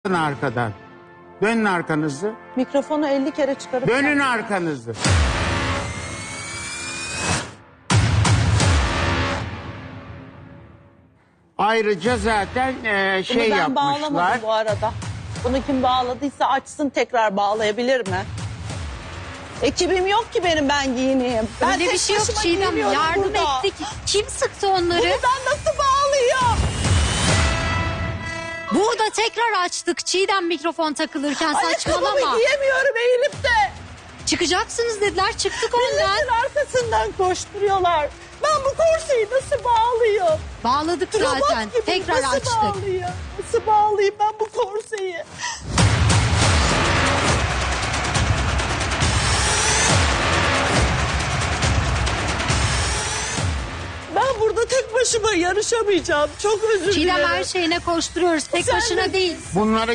Dönün arkadan. Dönün arkanızı. Mikrofonu 50 kere çıkarıp... Dönün arkanızı. Ayrıca zaten şey Bunu ben yapmışlar. bağlamadım bu arada. Bunu kim bağladıysa açsın, tekrar bağlayabilir mi? Ekibim yok ki benim, ben giyineyim. Ben Öyle tek bir şey yok başıma Çiğdem, giyiniyorum yardım burada. ettik. Kim sıktı onları? Bunu ben nasıl bağlayayım? Burada tekrar açtık Çiğdem mikrofon takılırken, saçmalama. Ayakkabımı giyemiyorum eğilip de. Çıkacaksınız dediler, çıktık ondan. Milletin arkasından koşturuyorlar. Ben bu korseyi nasıl bağlayayım? Bağladık zaten, Robot gibi tekrar nasıl açtık. bağlayayım? Nasıl bağlayayım ben bu korseyi? Ben burada tek başıma yarışamayacağım. Çok özür Çiğdem dilerim. her şeyine koşturuyoruz, tek Sen başına de- değil. Bunları